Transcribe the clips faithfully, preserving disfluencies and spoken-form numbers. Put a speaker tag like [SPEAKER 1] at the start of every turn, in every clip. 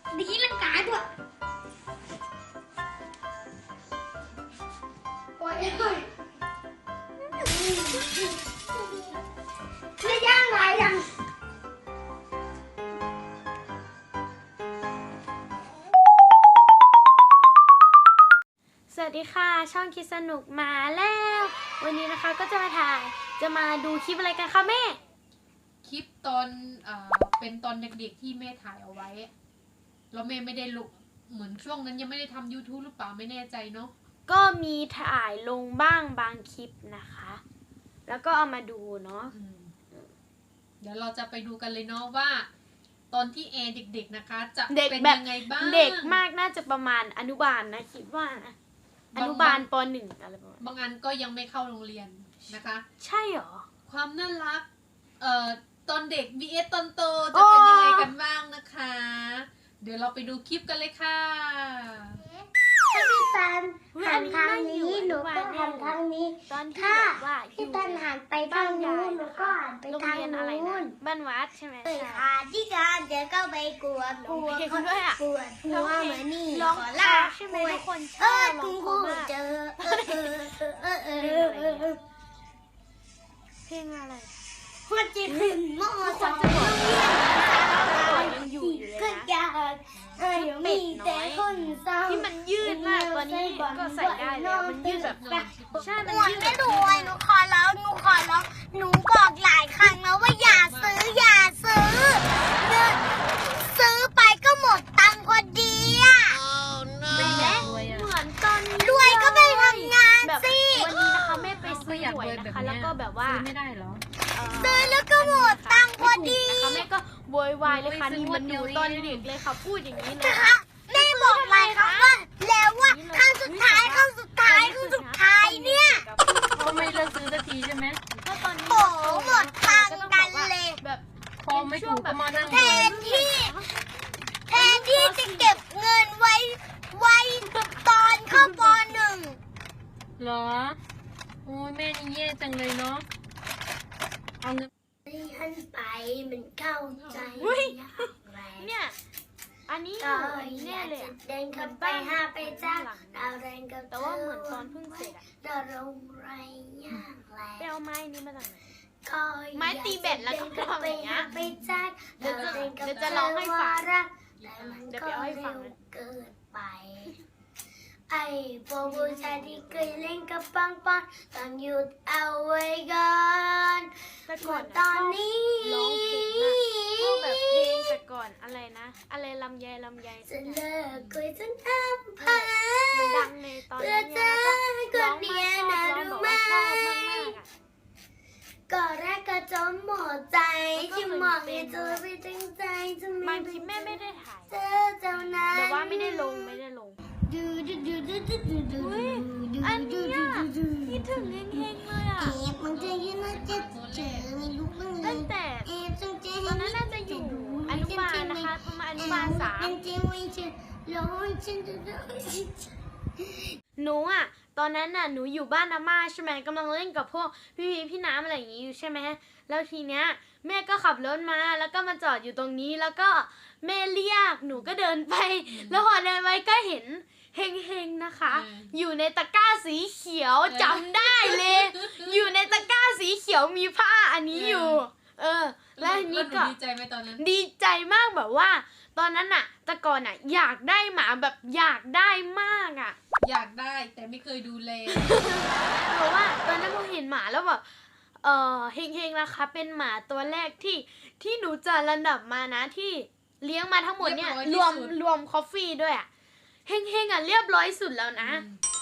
[SPEAKER 1] ดีลังกาด้วยโอ้ยโอ้ยไม่ย่างไรยัง
[SPEAKER 2] สวัสดีค่ะช่องคิดสนุกมาแล้ววันนี้นะคะก็จะมาถ่ายจะมาดูคลิปอะไรกันคะแม่
[SPEAKER 3] คลิปตอนเอ่อเป็นตอนเด็กๆที่แม่ถ่ายเอาไว้แล้วแม่ไม่ได้ลงเหมือนช่วงนั้นยังไม่ได้ทำ YouTube หรือเปล่าไม่แน่ใจเนาะ
[SPEAKER 2] ก็มีถ่ายลงบ้างบางคลิปนะคะแล้วก็เอามาดูเนาะ
[SPEAKER 3] เดี๋ยวเราจะไปดูกันเลยเนาะว่า ตอนที่แอร์เด็กๆนะคะจะเป็นยังไงบ้าง
[SPEAKER 2] เด็กมากน่าจะประมาณอนุบาลนะคิดว่านะอนุบาลปหนึ่งอะไรประมาณ
[SPEAKER 3] บางอันก็ยังไม่เข้าโรงเรียนนะคะ
[SPEAKER 2] ใช่หรอ
[SPEAKER 3] ความน่ารักเอ่อตอนเด็ก วี เอส ตอนโตจะเป็นยังไงกันบ้างนะคะเดี๋ยวเราไปดูคลิปกันเลยค่ะ
[SPEAKER 1] ถ้าพี่ตันหันทางนี้หนูก็หันทางนี้ถ้าพี่ตันหันไปทางนู้นหนูก็หันไปทางนู้น
[SPEAKER 2] บ้านวัดใช่ไหม
[SPEAKER 1] ค่ะที่การเดี๋ยวก็ไปกวดกวดกวดกวดหัวเหมือนนี่
[SPEAKER 2] ร้องลาใช่ไหมทุกคน
[SPEAKER 1] เออคุณครูเจอเออเออเออเออเออเออ
[SPEAKER 2] เพลงอะไร
[SPEAKER 1] คนจีขึ้นมอสองโรงเรียนยังอยู่อยู่เลยนะเออมีแต่คนเศร้า
[SPEAKER 2] ที่มันยืดมากตอนนี้ก็ใส่ได้แล้วมันยืดแบบใช่มันยืด
[SPEAKER 1] ไม่รวยหนูขอแล้วหนูขอแล้วหนูบอกหลายครั้งแล้วว่าอย่าซื้ออย่าซื้อซื้อไปก็หมดตังค์พอดีอ่ะ
[SPEAKER 2] เหมือนตอน
[SPEAKER 1] รวยก็ไปทำงานสิ
[SPEAKER 2] วันนี้นะคะแม่ไปซื้อหวยนะคะแล้วก็แบบว่า
[SPEAKER 3] ไม่ได้หรอ
[SPEAKER 1] ซื้อแล้วก็หมดตังค์พอดี
[SPEAKER 2] นะคะแม่ก็โวยวายเลยค่ะนี่มันอยู่ตอนเด็กเลยค่ะพูดอย่างนี้เลย
[SPEAKER 1] แม่บอกหลายครั้งว่าแล้วว่าครั้งสุดท้ายครั้งสุดท้ายครั้งสุดท้ายเนี่ย
[SPEAKER 3] ก็ไม่เลิกซื้อสักทีใช่ไหม
[SPEAKER 2] ก็ตอนนี้
[SPEAKER 1] โอ้หมดตังค์กันเลย
[SPEAKER 2] แบบ
[SPEAKER 3] พอไม่ถูกก็มานั่ง
[SPEAKER 1] แทนที่แทนที่จะเก็บเงินไว้ไว้ตอนเข้าป.หนึ่ง
[SPEAKER 3] เหรอโอ้ยแม่นี่แย่จังเลยเนาะเอาเงิน
[SPEAKER 1] ท่านไปมันเข้าใจ
[SPEAKER 2] เนี่ยอันนี้แน่เลย
[SPEAKER 1] เดินขับไปหาไปจ้าดาวแรงกับ
[SPEAKER 2] แต่ว่าเหมือนตอนเพิ่งเสร็จอะ
[SPEAKER 1] ดาวรงไรย่างแรง
[SPEAKER 2] ไปเอาไม้นี้มาจากไหน
[SPEAKER 1] ไม้
[SPEAKER 2] ตีแบตแล้วก็ทำอย่างเงี้ย
[SPEAKER 1] ไปจ้า
[SPEAKER 2] เดี๋ยวจะเดี๋ยวจะร้องให้ฟังเดี๋ยวไปเอาให้ฟัง
[SPEAKER 1] เกิดไปไอ้พวกผู้ชายที่เคยเล่นกับปังปังต้องหยุดเอาไว้ก่อน
[SPEAKER 2] แต่ก่อน
[SPEAKER 1] ตอนนี้
[SPEAKER 2] ร้องเพลงอะชอบแบบเพลงแต่ก่อนอะไรนะอะไรลำไยลำไย
[SPEAKER 1] จะเลิกคุยจนอ้ำพา
[SPEAKER 2] มันดังในตอนนี้แล้วก็ร้องมากชอบร้องบอกว่าชอบมากมากอะ
[SPEAKER 1] ก็แรกก็จมหมดใจที่มองให้เธอไปตั้งใจจะไม่
[SPEAKER 2] บางคลิปแม่ไม่ได้ถ่าย
[SPEAKER 1] เจอเจ้านั้น
[SPEAKER 2] แต่ว่าไม่ได้ลงไม่ได้ลง
[SPEAKER 1] ดูดูดูดูดูดูดูดู
[SPEAKER 2] อันนี้คิดถึงเฮงๆเลยอ่ะ
[SPEAKER 1] เอฟมันจะยืนมาจะเจอไม่รู้บ้าง
[SPEAKER 2] ตั้งแต่
[SPEAKER 1] เอฟจงเจ
[SPEAKER 2] ตอนนั้นน่าจะอยู่อนุบาลนะคะประมาณอนุบาลสามหนูอ่ะตอนนั้นน่ะหนูอยู่บ้านอาม่าใช่ไหมกำลังเล่นกับพวกพี่พี่พี่น้ำอะไรอย่างงี้อยู่ใช่ไหมแล้วทีเนี้ยแม่ก็ขับรถมาแล้วก็มาจอดอยู่ตรงนี้แล้วก็แม่เรียกหนูก็เดินไปแล้วพอเดินไปก็เห็นเฮงๆนะคะอยู่ในตะกร้าสีเขียวจำได้เลยอยู่ในตะกร้าสีเขียวมีผ้าอันนี้อยู่เออแล้วทีนี้ก็
[SPEAKER 3] ดีใจไหมตอนนั้น
[SPEAKER 2] ดีใจมากแบบว่าตอนนั้นน่ะแต่ก่อนน่ะอยากได้หมาแบบอยากได้มากอ่ะ
[SPEAKER 3] อยากได้แต่ไม่เคยดูแล
[SPEAKER 2] เพราะว่าตอนนั้นพอเห็นหมาแล้วแบบเออเฮงๆนะคะเป็นหมาตัวแรกที่ที่หนูจะระดับมานะที่เลี้ยงมาทั้งหมดเนี่ยรวมรวมคอฟฟี่ด้วยอ่ะเฮงๆอ่ะเรียบร้อยสุดแล้วนะ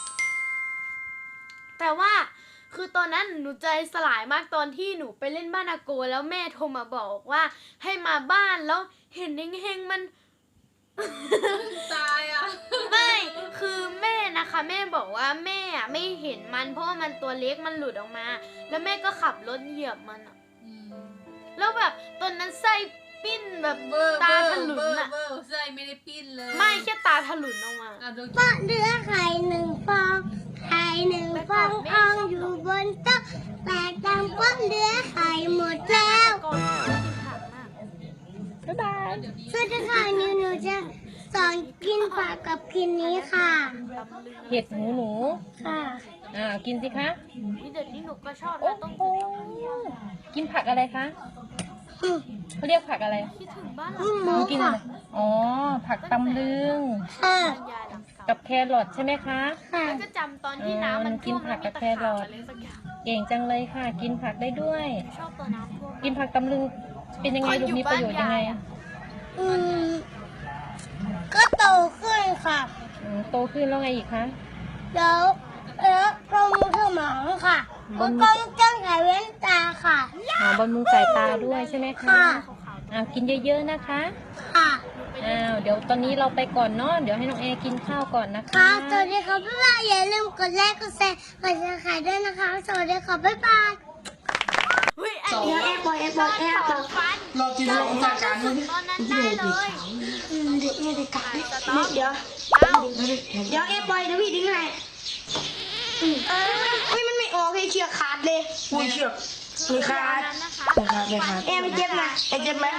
[SPEAKER 2] แต่ว่าคือตอนนั้นหนูใจสลายมากตอนที่หนูไปเล่นบ้านอาโกแล้วแม่โทรมาบอกว่าให้มาบ้านแล้วเห็นเฮงๆมัน
[SPEAKER 3] ตายอ่ะ
[SPEAKER 2] ไม่คือแม่นะคะแม่บอกว่าแม่อ่ะไม่เห็นมันเพราะว่ามันตัวเล็กมันหลุดออกมาแล้วแม่ก็ขับรถเหยียบมันอ่ะแล้วแบบตอนนั้นไส้ปิ้นแบบตาถลุนอ่ะ
[SPEAKER 3] ไส้ไม่ได้ปิ้นเลย
[SPEAKER 2] ไม่แค่ตาถลุนออกมา
[SPEAKER 1] ปะเรือไข่หนึ่งฟองไข่หนึ่งฟองอองอยู่บนโต๊ะแตกดังปะเรือไข่หมดแล้วบ๊ายบายสวัสดีค่ะนิวนิวจะสอนกินผักกับกินนี้ค่ะ
[SPEAKER 4] เห็ดหูหนู
[SPEAKER 1] ค่ะ
[SPEAKER 4] อ่ากินสิคะ
[SPEAKER 2] นี่เดี๋ยวนี้หนูก็ชอบ
[SPEAKER 4] โอ้
[SPEAKER 2] นะต้ม
[SPEAKER 4] โหกินผักอะไรคะ
[SPEAKER 1] อืม
[SPEAKER 4] เขาเรียกผักอะไร
[SPEAKER 2] คิดถึงบ้านหลั
[SPEAKER 1] อื
[SPEAKER 2] ง
[SPEAKER 1] มหมู
[SPEAKER 4] หนูกินอะ
[SPEAKER 1] ค่ะ
[SPEAKER 4] ไรอ๋อผักตำลึง
[SPEAKER 1] ค่ะ
[SPEAKER 2] ยายหลังเก่า
[SPEAKER 4] กับแครอทใช่ไหมคะ
[SPEAKER 1] ค่ะ
[SPEAKER 2] แล้วก็จำตอนที่น้ำมัน
[SPEAKER 4] เออกิน
[SPEAKER 2] ท่วม
[SPEAKER 4] ผั
[SPEAKER 2] แล้ว
[SPEAKER 4] ก
[SPEAKER 2] มี
[SPEAKER 4] กับ
[SPEAKER 2] ตะ
[SPEAKER 4] แคร
[SPEAKER 2] ขา
[SPEAKER 4] อบ ท
[SPEAKER 2] อะไรสักอย่าง
[SPEAKER 4] เก่งจังเลยค่ะ กินผักได้ด้วย
[SPEAKER 2] ชอบตัวน้ำท่วม
[SPEAKER 4] กินผักตำลึงเป็นยังไงลูกมีประโยชน์ยังไง
[SPEAKER 1] อืมก็โตขึ้นค่ะ
[SPEAKER 4] อืมโตขึ้นแล้วไงอีกคะ
[SPEAKER 1] แล้วแล้วกลมสมองค่ะแล้วก็ต้องใส่แว่นตาค่ะ
[SPEAKER 4] อ๋อบำรุงสายตาด้วยใช่ไหมคะ
[SPEAKER 1] ค่ะ
[SPEAKER 4] อ่ากินเยอะๆนะคะ
[SPEAKER 1] ค่ะ
[SPEAKER 4] อ้าวเดี๋ยวตอนนี้เราไปก่อนเนาะเดี๋ยวให้น้องแอร์กินข้าวก่อนนะคะ
[SPEAKER 1] ค่ะสวัสดีครับบ๊ายบายอย่าลืมกดไลค์กดแชร์กดซับสไครต์ด้วยนะคะสวัสดีครับบ๊ายบาย
[SPEAKER 2] เฮ้ยอัน
[SPEAKER 3] สอง
[SPEAKER 2] นี้
[SPEAKER 1] แอร์บอยแอร์บอยแอร์บอย
[SPEAKER 2] ฟัน
[SPEAKER 5] เรากินเราจากการ
[SPEAKER 2] ตอนนั้นได้เลย
[SPEAKER 1] อืมเด็กเนี่ยเด็กกะ
[SPEAKER 2] สต๊อป
[SPEAKER 1] เดี๋ยว
[SPEAKER 2] เอ้า
[SPEAKER 1] เดี๋ยวแอร์บอยเดี๋ยวพี่ดึงให้อืมเอ้ยเฮ้ยมันไม่ออกเลยเชือกขาดเลย
[SPEAKER 5] อุ้ยเชือก
[SPEAKER 2] คือตอนนั้นนะคะ
[SPEAKER 5] นะครับนะครับ
[SPEAKER 1] แอร์ไม่เจ็บนะแอร์เจ็บไหม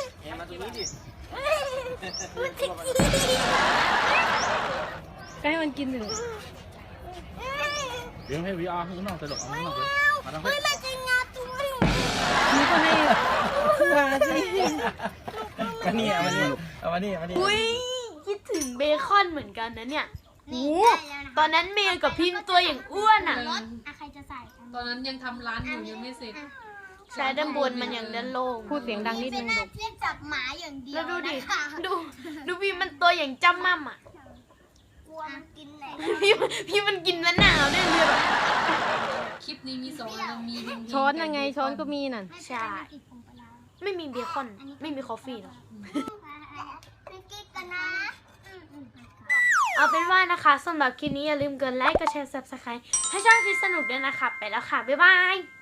[SPEAKER 4] ก็ให้มันกินหนึ่ง
[SPEAKER 6] เดี๋ยวให้วีอาร์ข้างนอกตลกเอาข้างนอกเลยมาทาง
[SPEAKER 1] เฮ้ยมันจะงับตัว
[SPEAKER 4] นี่ก็ให้มาสิ
[SPEAKER 6] มานี่เอามานี่เอามานี่เอามานี่
[SPEAKER 2] อุ้ยคิดถึงเบคอนเหมือนกันนะเนี่ย
[SPEAKER 1] นี่
[SPEAKER 2] โอ้
[SPEAKER 1] ได้แล้วนะ
[SPEAKER 2] ตอนนั้นเมย์กับพิมพ์ตัวอย่างอ้วนอ่ะ
[SPEAKER 1] รถอ่ะใครจะใส่กัน
[SPEAKER 3] ตอนนั้นยังทำร้านอยู่ยังไม่เสร็จ
[SPEAKER 2] ใช้ด้านบนมันอย่างด้านโล่ง
[SPEAKER 4] พูดเสียงดังนิดนึง
[SPEAKER 1] หน้า
[SPEAKER 4] ลูก
[SPEAKER 1] ที่จับหมาอย่างเดีย
[SPEAKER 2] แล้ว วดูดิ
[SPEAKER 1] นะคะ
[SPEAKER 2] ดู ดูพี่มันตัวอย่างจำมั่มอ่ะ
[SPEAKER 1] กลัวมันกินแหละ
[SPEAKER 2] พี่พี่มันกินมะนาวด้วยเลยแบบ
[SPEAKER 3] คลิปนี้มีสองอันมีเพลงๆ
[SPEAKER 4] ช้อนยังไงช้อนก็มีน่ะ
[SPEAKER 2] ใช่ ไม่มีเบคอน ไม่มีคอฟฟี่หรอก
[SPEAKER 1] ไม่กินกันนะอืมอืม
[SPEAKER 2] เอาเป็นว่านะคะสำหรับคลิปนี้อย่าลืมกดไลค์ กดแชร์ ซับสไครต์ให้ช่องคิดสนุกด้วยนะคะ ไปแล้วค่ะ บ๊ายบาย